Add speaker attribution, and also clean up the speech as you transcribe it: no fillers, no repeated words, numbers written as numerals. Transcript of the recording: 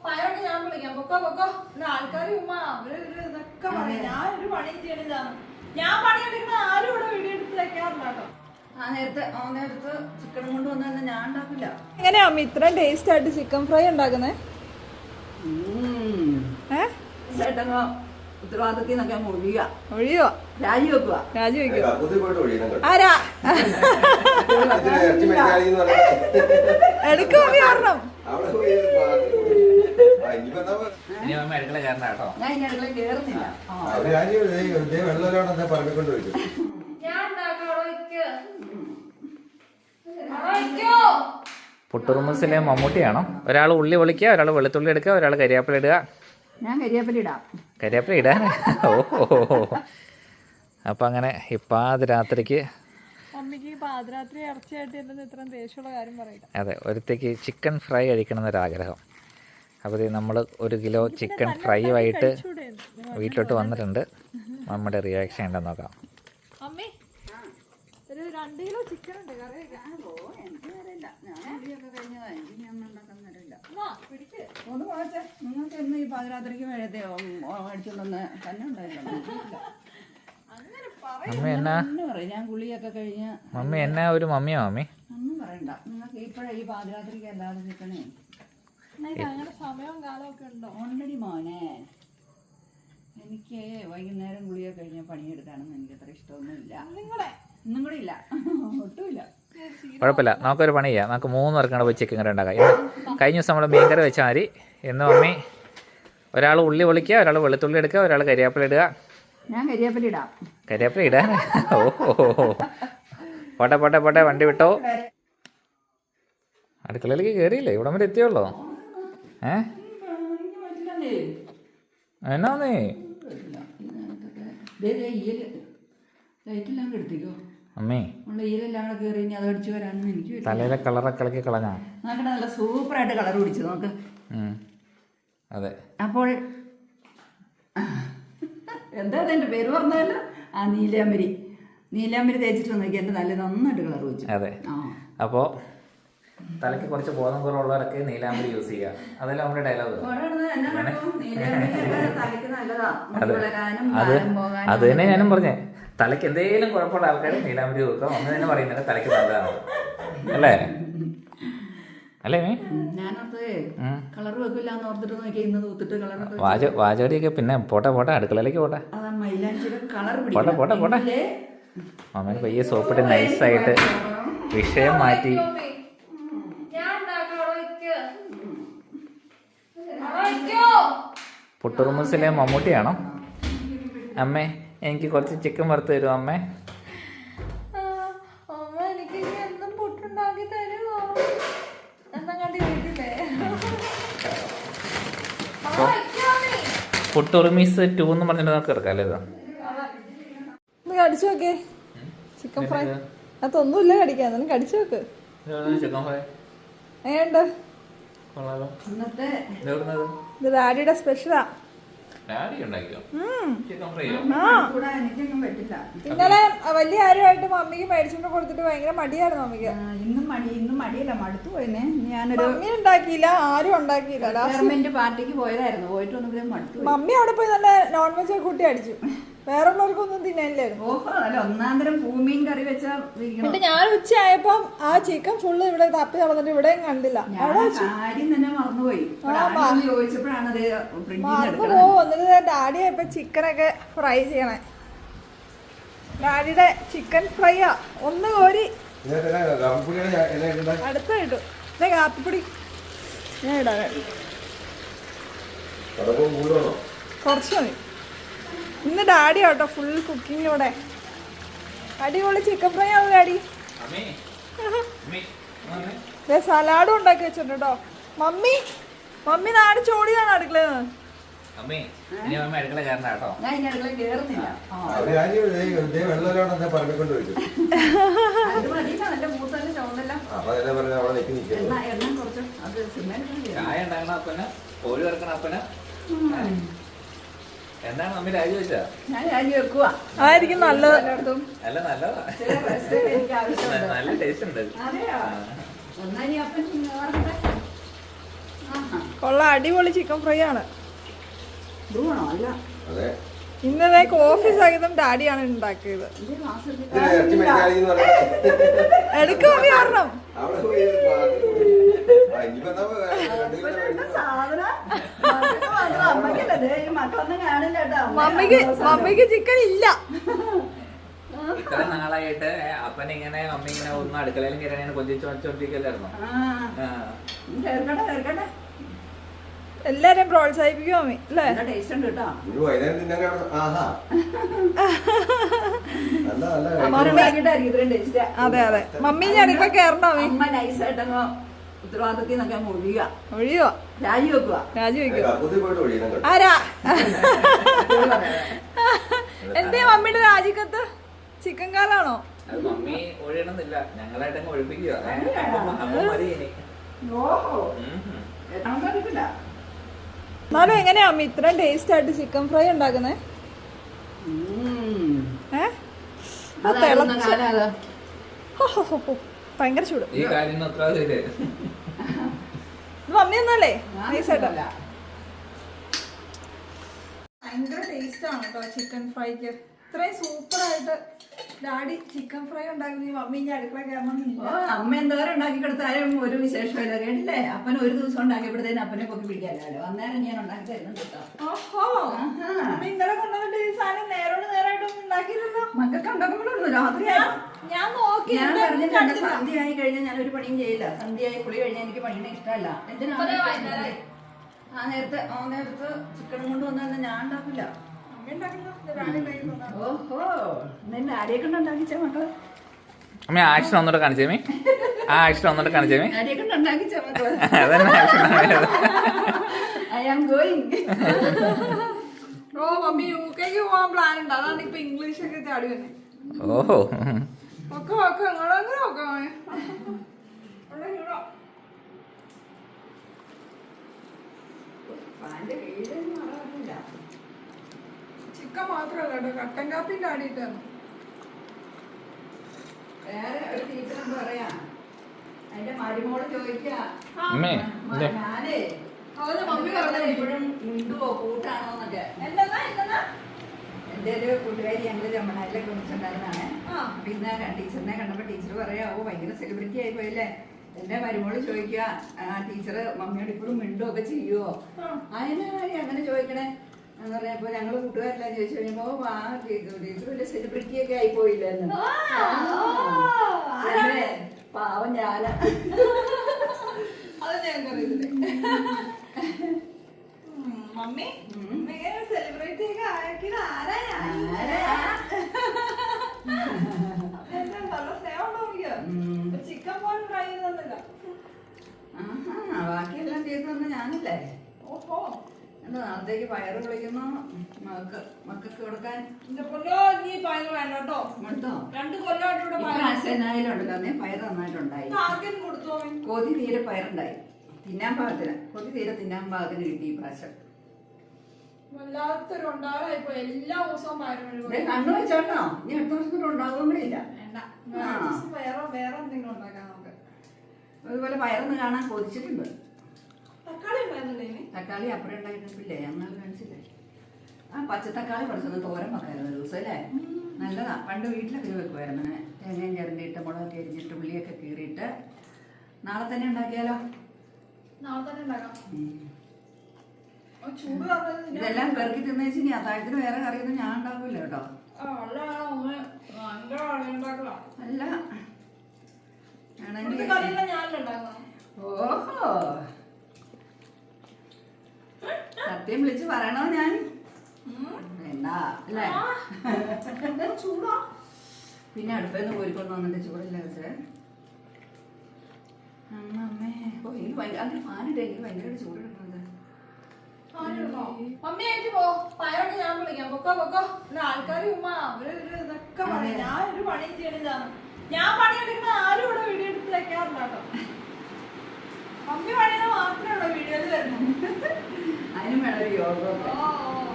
Speaker 1: പയറൊക്കെ ഞാൻ വിളിക്കാം. പൊക്കോ പൊക്കോ. ആൾക്കാർ ഉമ്മ അവര് ഇതൊക്കെ പറയും. ഞാൻ ഒരു പണി ചെയ്യണില്ലാണ്. ഞാൻ പണിയെടുക്കുന്ന ആരും ഇവിടെ വീഡിയോ എടുത്ത് വെക്കാറില്ല കേട്ടോ.
Speaker 2: നേരത്തെ ചിക്കൻ കൊണ്ട് വന്നു ഞാൻ ഉണ്ടാക്കില്ല.
Speaker 1: എങ്ങനെയാ അമ്മ ഇത്രയും ടേസ്റ്റ് ആയിട്ട് ചിക്കൻ ഫ്രൈ ഉണ്ടാക്കുന്നേ?
Speaker 2: ഉത്തരവാദിത്തത്തിൽ നിന്നൊക്കെ
Speaker 1: ഒഴിയോ
Speaker 2: രാജിവെക്കുക.
Speaker 1: ആരാ എടുക്കും കാരണം
Speaker 2: ഞാൻ ഇനി അടുക്കള കേറുന്നില്ല.
Speaker 3: പുട്ടുറുമസിലെ മമ്മൂട്ടിയാണോ? ഒരാൾ ഉള്ളി പൊളിക്കുക, ഒരാൾ വെളുത്തുള്ളി എടുക്കുക, ഒരാൾ കരിയാപ്പില ഇടുക.
Speaker 2: ഞാൻ കരിയാപ്പില ഇടാം.
Speaker 3: കരിയാപ്പില ഇടാൻ ഓഹോ. അപ്പം അങ്ങനെ പാതിരാത്രിക്ക് അതെ ഒരുത്തേക്ക് ചിക്കൻ ഫ്രൈ കഴിക്കണം എന്നൊരാഗ്രഹം. അപ്പോൾ നമ്മൾ 1 കിലോ ചിക്കൻ ഫ്രൈ ആയിട്ട് വീട്ടിലോട്ട് വന്നിട്ടുണ്ട്. നമ്മുടെ റിയാക്ഷൻ ഉണ്ടെന്ന് നോക്കാം.
Speaker 2: നിങ്ങൾക്ക് എന്ന് ഈ പാതിരാത്രിക്ക് മേടിച്ചോണ്ടൊന്ന് തന്നെ ഉണ്ടായില്ല. ഞാൻ കുളിയൊക്കെ കഴിഞ്ഞ്
Speaker 3: മമ്മി എന്നാ ഒരു മമ്മിയോ മമ്മി
Speaker 2: ഒന്നും പറയണ്ട. നിങ്ങൾക്ക് ഇപ്പഴേ ഈ പാതിരാത്രിക്ക് അല്ലാതെ നിൽക്കണേ.
Speaker 1: സമയവും കാലമൊക്കെ ഉണ്ടോ?
Speaker 2: ഓൾറെഡി മോനെ എനിക്ക് വൈകുന്നേരം കുളിയൊക്കെ കഴിഞ്ഞ പണിയെടുക്കാനൊന്നും എനിക്ക് അത്ര ഇഷ്ടമൊന്നുമില്ല. ഒന്നും കൂടെ ഇല്ല, ഒട്ടുമില്ല.
Speaker 3: കുഴപ്പമില്ല, നമുക്കൊരു പണി ചെയ്യാം. നമുക്ക് 3 പേർക്കാണ് പോയി ചിക്കൻ കറി ഉണ്ടാക്കാം. കഴിഞ്ഞ ദിവസം നമ്മൾ മീൻ കറി വെച്ചാൽ മതി. എന്ന് മമ്മി ഒരാൾ ഉള്ളി പൊളിക്കുക, ഒരാൾ വെളുത്തുള്ളി എടുക്കുക, ഒരാൾ കരിയാപ്പില ഇടുക.
Speaker 2: ഞാൻ കരിയാപ്പില ഇടാം.
Speaker 3: കരിയാപ്പില ഇടാൻ ഓഹോ. പോട്ടെ വണ്ടി വിട്ടോ. അടുക്കളയിലേക്ക് കയറിയില്ലേ? ഇവിടം വരെ എത്തിയുള്ളോ? എന്നാന്നേ അമ്മേ തലയിലെ കളറൊക്കെ ഇളക്കി കളഞ്ഞാ
Speaker 2: നല്ല സൂപ്പറായിട്ട് കളർ പിടിച്ചു നോക്ക്.
Speaker 3: അതെ.
Speaker 2: അപ്പോൾ എന്താ എൻ്റെ പേര് പറഞ്ഞല്ലോ? നീലാമ്പരി തേച്ചിട്ട് നോക്കി എൻ്റെ നല്ല നന്നായിട്ട് കളർ വെച്ചു.
Speaker 3: അതെ. അപ്പോൾ തലയ്ക്ക് കുറച്ച് ബോധം കുറവുള്ളവരൊക്കെ നീലാമ്പരി യൂസ് ചെയ്യുക. അതല്ല നമ്മുടെ ഡയലോഗ്. അത് തന്നെ ഞാനും പറഞ്ഞേ. തലയ്ക്ക് എന്തെങ്കിലും കുഴപ്പമുള്ള ആൾക്കാർ നീലാമ്പരി നോക്കുക. ഒന്ന് തന്നെ പറയുന്നത് തലയ്ക്ക് നല്ലതാണ് അല്ലേ? അല്ലേ വാചകടിയൊക്കെ പിന്നെ പോട്ടെ അടുക്കളയിലേക്ക് പോട്ടെ. അമ്മേനെ പയ്യെ സോപ്പിട്ട് നൈസായിട്ട് വിഷയം മാറ്റി. പുട്ടുറുമസിലെ മമ്മൂട്ടിയാണോ? അമ്മേ എനിക്ക് കുറച്ച് ചിക്കൻ വറുത്ത് തരുമോ അമ്മേ? പുട്ടുറുമീസ് 2 എന്ന് പറഞ്ഞിട്ട് നമുക്ക് എടുക്കാം അല്ലേ?
Speaker 1: കടിച്ചു നോക്കേ ചിക്കൻ ഫ്രൈ. അതൊന്നുമില്ല കടിക്കാൻ, കടിച്ചു നോക്ക്.
Speaker 3: ചിക്കൻ ഫ്രൈ
Speaker 1: എങ്ങനെയുണ്ട്? ഇത് ഡാഡിയുടെ സ്പെഷ്യലാ. ഇന്നലെ വലിയ ആരുമായിട്ട് മമ്മിക്ക് മേടിച്ചോണ്ട് കൊടുത്തിട്ട് ഭയങ്കര മടിയായിരുന്നു മമ്മിക്ക്.
Speaker 2: ഇന്നും മടിയല്ല, മടുത്തു പോയെന്നെ. ഞാനൊരു
Speaker 1: മമ്മി ഉണ്ടാക്കിയില്ല, ആരും ഉണ്ടാക്കിയില്ല.
Speaker 2: ഗവൺമെന്റ് പാർട്ടിക്ക് പോയതായിരുന്നു. പോയിട്ട് വന്നപ്പോഴേ മടുത്തു.
Speaker 1: മമ്മി അവിടെ പോയി നല്ല നോൺ വെജ് ഒക്കെ കൂട്ടി അടിച്ചു. വേറെ ഉള്ളവർക്കൊന്നും തിന്നാനില്ലായിരുന്നു.
Speaker 2: ഓഹോ, നല്ല ഒന്നാന്തരം പൂമീൻ കറി വെച്ചാ.
Speaker 1: എന്നിട്ട് ഞാൻ ഉച്ചയായപ്പം ആ ചിക്കൻ ഫുള്ള് ഇവിടെ തപ്പി നടന്നിട്ട് ഇവിടെയും കണ്ടില്ല.
Speaker 2: കാര്യം തന്നെ മറന്നുപോയി. ചോദിച്ചപ്പോഴാണ്
Speaker 1: എന്നിട്ട് ഡാഡി ആയപ്പോ ചിക്കനൊക്കെ ഫ്രൈ ചെയ്യണേ. ഡാഡിയുടെ ചിക്കൻ ഫ്രൈയാ. ഒന്ന് കോരി അടുത്ത ഇട്ടു. ഇതേ കാപ്പിപ്പൊടി ഞാൻ ഇടാൻ കുറച്ച് മതി. ഇന്ന് ഡാഡി ആട്ടോ ഫുൾ കുക്കിങ്ങിലൂടെ. അടിപൊളി ചിക്കൻ ഫ്രൈ ആണ് ഡാഡി. സലാഡും ഉണ്ടാക്കി വെച്ചിട്ടുണ്ട് കേട്ടോ. മമ്മി നാട് ചോടിയാണ് അടുക്കളയിൽ നിന്ന്.
Speaker 3: എന്താണ് മമ്മി രാജി വെച്ചാ?
Speaker 2: ഞാൻ രാജി വെക്കുക.
Speaker 1: ആയിരിക്കും നല്ലത്.
Speaker 3: അല്ല നല്ലതാ, നല്ല ടേസ്റ്റ് ഉണ്ട്.
Speaker 1: കൊള്ള അടിപൊളി ചിക്കൻ ഫ്രൈ ആണ്.
Speaker 2: ബ്രൂണോ അല്ല
Speaker 1: ഇന്നലെ കോഫി സഹിതം ഡാഡിയാണ് ഉണ്ടാക്കിയത്. എടുക്കും കാരണം മമ്മിക്ക് ചിക്കൻ ഇല്ല.
Speaker 3: ഇത്ര നാളായിട്ട് അപ്പനിങ്ങനെ മമ്മി ഇങ്ങനെ ഒന്നും അടുക്കളയിലും കയറാൻ കൊഞ്ചിച്ചോണ്ടിരിക്കല്ലായിരുന്നോ?
Speaker 1: എല്ലാരെയും പ്രോത്സാഹിപ്പിക്കും മമ്മി അല്ലേ?
Speaker 2: ടേസ്റ്റ് ഉണ്ട് കേട്ടോ.
Speaker 1: അതെ അതെ മമ്മി അടുക്കള കയറണ്ടോ?
Speaker 2: അമ്മ നൈസായിട്ടങ്ങ് ഉത്തരവാദിത്തത്തിൽ നിന്നൊക്കെ
Speaker 1: ഒഴിയുക രാജിവെക്കുക. ആരാ എന്തേ മമ്മിയുടെ രാജിക്കത്ത് ചിക്കൻ കാലാണോ?
Speaker 3: മമ്മി ഒഴിയണമെന്നില്ല, ഞങ്ങളായിട്ടങ്ങ് ഒഴിപ്പിക്കുക.
Speaker 1: എന്നാലും എങ്ങനെയാ അമ്മ ഇത്രയും ടേസ്റ്റ് ആയിട്ട് ചിക്കൻ ഫ്രൈ ഉണ്ടാക്കുന്നേ? ഭയങ്കര ചൂട്.
Speaker 3: ഈ കാര്യം
Speaker 1: മമ്മി ഒന്നല്ലേ നൈസായിട്ടല്ല. ഭയങ്കര ടേസ്റ്റ് ആണ് കേട്ടോ ചിക്കൻ ഫ്രൈക്ക്. ഇത്രയും സൂപ്പറായിട്ട് ഡാഡി ചിക്കൻ ഫ്രൈ ഉണ്ടാക്കുന്ന മമ്മി ഇനി അടുക്കള കയറണമെന്നില്ല.
Speaker 2: അമ്മ എന്തോരം ഉണ്ടാക്കി കൊടുത്താലും ഒരു വിശേഷമില്ല കേട്ടില്ലേ? അപ്പനെ ഒരു ദിവസം ഉണ്ടാക്കിയപ്പോഴത്തേനും അപ്പനെ പൊക്കി പിടിക്കാമല്ലോ. അന്നേരം ഞാൻ ഉണ്ടാക്കി തരുന്നുണ്ട് കേട്ടോ.
Speaker 1: ഓഹോ ഇന്നലെ കൊണ്ടുവന്നിട്ട് ഈ സാധനം നേരോട് നേരായിട്ടൊന്നും ഉണ്ടാക്കിയില്ലല്ലോ.
Speaker 2: മക്കൾക്ക് ഉണ്ടാക്കുമ്പോഴുള്ളൂ രാത്രിയായി.
Speaker 1: ഞാൻ നോക്കി
Speaker 2: ഞാൻ പറഞ്ഞിട്ടുണ്ട് സന്ധ്യ ആയി കഴിഞ്ഞാൽ ഞാനൊരു പണിയും ചെയ്യില്ല. സന്ധ്യയായി കുളി കഴിഞ്ഞാൽ എനിക്ക് പണിയുടെ ഇഷ്ടമല്ല. എന്തിനാണ് ആ നേരത്തെ ചിക്കൻ കൊണ്ട് വന്നാൽ ഞാൻ ഉണ്ടാക്കില്ല. ഓഹോ നിന്നെ ആരെയൊക്കെ ഉണ്ടാക്കിച്ച മക്കള്?
Speaker 3: അമ്മ ആക്ഷൻ ഒന്നുകൂടെ കാണിച്ചേ. ആ ആക്ഷൻ ഒന്നുകൂടെ കാണിച്ചേ.
Speaker 2: ആരെയൊക്കെ ഉണ്ടാക്കിച്ച മക്കള്? I am going.
Speaker 1: Oh mummy യുകെക്ക് പോവാൻ പ്ലാൻ ഉണ്ട്. അതാണ് ഇപ്പൊ ഇംഗ്ലീഷ് ഒക്കെ ചാടി വന്നെ.
Speaker 3: ഓഹോ
Speaker 1: ഒക്കെ ഒക്കെ എങ്ങോട്ടെങ്കിലും ഒക്കെ ചിക്കൻ മാത്രല്ല കേട്ടോ കട്ടൻ കാപ്പിന്റെ ആടിയിട്ട്
Speaker 2: വേറെ ഒരു ടീച്ചർ എന്താ പറയാ അതിന്റെ മരുമോള് ചോദിക്കാ ഞാനേ മമ്മി പറഞ്ഞത് എപ്പോഴും മിണ്ടുവോ കൂട്ടാണോന്നൊക്കെ. എന്റെ ഒരു കൂട്ടുകാരി ഞങ്ങള് രമണയിലെ കുറിച്ചുണ്ടായിരുന്നാണ്. പിന്നെ ടീച്ചറിനെ കണ്ടപ്പോ ടീച്ചർ പറയാ ഓ ഭയങ്കര സെലിബ്രിറ്റി ആയി പോയില്ലേ. എന്റെ മരുമോള് ചോദിക്കുക ടീച്ചറ് മമ്മിയോട് ഇപ്പോഴും മിണ്ടുവൊക്കെ ചെയ്യുവോ? അതിനാണ് അങ്ങനെ ചോദിക്കണേ എന്ന് പറഞ്ഞപ്പോ ഞങ്ങള് കൂട്ടുകാരെല്ലാം ചോദിച്ചു കഴിഞ്ഞപ്പോ ആ ടീച്ചർ വലിയ സെലിബ്രിറ്റി ഒക്കെ ആയി പോയില്ലെന്ന്. പാവം ഞാന
Speaker 1: അത് ഞങ്ങൾക്കറിയില്ലേ മമ്മി സെലിബ്രിറ്റി ഒക്കെ ആക്കിയത് ആരാ? നല്ല സ്നേഹം ഉണ്ടോ? ചിക്കൻ പോലും ഫ്രൈ ചെയ്തൊന്നുമില്ല.
Speaker 2: ബാക്കിയെല്ലാം ചെയ്തു തന്ന ഞാനല്ലേ.
Speaker 1: ഓഹോ
Speaker 2: എന്താ നാളത്തേക്ക് പയറ് വിളിക്കുന്നു മക്കൾക്ക് കൊടുക്കാൻ.
Speaker 1: നീ പയറ് വേണ്ട കേട്ടോ.
Speaker 2: കൊടുത്തോ?
Speaker 1: 2 കൊല്ലമായിട്ടുണ്ട്
Speaker 2: പയറ് നന്നായിട്ടുണ്ടായി.
Speaker 1: കൊടുത്തോ?
Speaker 2: കൊതി തീരെ പയറുണ്ടായി. തിന്നാൻ പാകത്തിന് കൊതി തീരെ തിന്നാൻ പാകത്തിന് കിട്ടി ഈ പ്രാവശ്യം.
Speaker 1: വല്ലാത്തൊരു ഉണ്ടാകായിപ്പോ എല്ലാ ദിവസവും പയറ്
Speaker 2: കണ്ണു വെച്ചോട്ടോ. ഇനി അടുത്ത വർഷത്തിൽ ഉണ്ടാകുമ്പോഴില്ല.
Speaker 1: വേറെ എന്തെങ്കിലും ഉണ്ടാക്കാം നമുക്ക്.
Speaker 2: അതുപോലെ പയറൊന്ന് കാണാൻ കൊതിച്ചിട്ടുണ്ട്.
Speaker 1: തക്കാളി
Speaker 2: തക്കാളി അപ്പുറം ഉണ്ടായിരുന്നില്ലേ? ഞങ്ങൾ കാണിച്ചില്ലേ? ആ പച്ചത്തക്കാളി കുറച്ചൊന്ന് തോരൻ വെക്കായിരുന്നു ദിവസം അല്ലേ? നല്ലതാ. പണ്ട് വീട്ടിലൊക്കെ വെക്കുമായിരുന്നു. അങ്ങനെ തേങ്ങയും ചിരണ്ടിയിട്ട് മുളകൊക്കെ അരിഞ്ഞിട്ട് ഉള്ളിയൊക്കെ കീറിയിട്ട്. നാളെ തന്നെ ഉണ്ടാക്കിയാലോ?
Speaker 1: നാളെ തന്നെ ഉണ്ടാക്കാം.
Speaker 2: ഇതെല്ലാം പെറുക്കി തിന്നേച്ച് ഇനി അത്താഴത്തിന് വേറെ കറിയൊന്നും ഞാൻ ഉണ്ടാക്കൂല കേട്ടോ. അല്ല ഓഹോ സത്യം വിളിച്ച് പറയണോ ഞാൻ? വേണ്ട അല്ലേ?
Speaker 1: ചൂടാ.
Speaker 2: പിന്നെ അടുപ്പേന്ന് കോരിക്കൊണ്ട് വന്നിട്ട് ചൂടില്ല വെച്ചേ. അമ്മേ ഓ എനിക്ക് ഭയങ്കര അങ്ങനെ ഫാനിട്ട് എനിക്ക് ഭയങ്കരമായിട്ട് ചൂടെടുക്കുന്നത്.
Speaker 1: മമ്മിയായിട്ട് പോ. പയറൊക്കെ ഞാൻ വിളിക്കാം. പൊക്കോ പൊക്കോ. ആൾക്കാർ ഇതൊക്കെ പറയാം. ഞാൻ ഒരു പണിയും ചെയ്യണില്ലാണ്. ഞാൻ പണിയെടുക്കുന്ന ആരും ഇവിടെ വീഡിയോ എടുത്ത് വെക്കാറില്ല കേട്ടോ. മമ്മി പണിയുടെ മാത്രമേ ഇവിടെ വീഡിയോയിൽ വരുന്നു.
Speaker 2: അതിനും വേണം ഒരു യോഗ.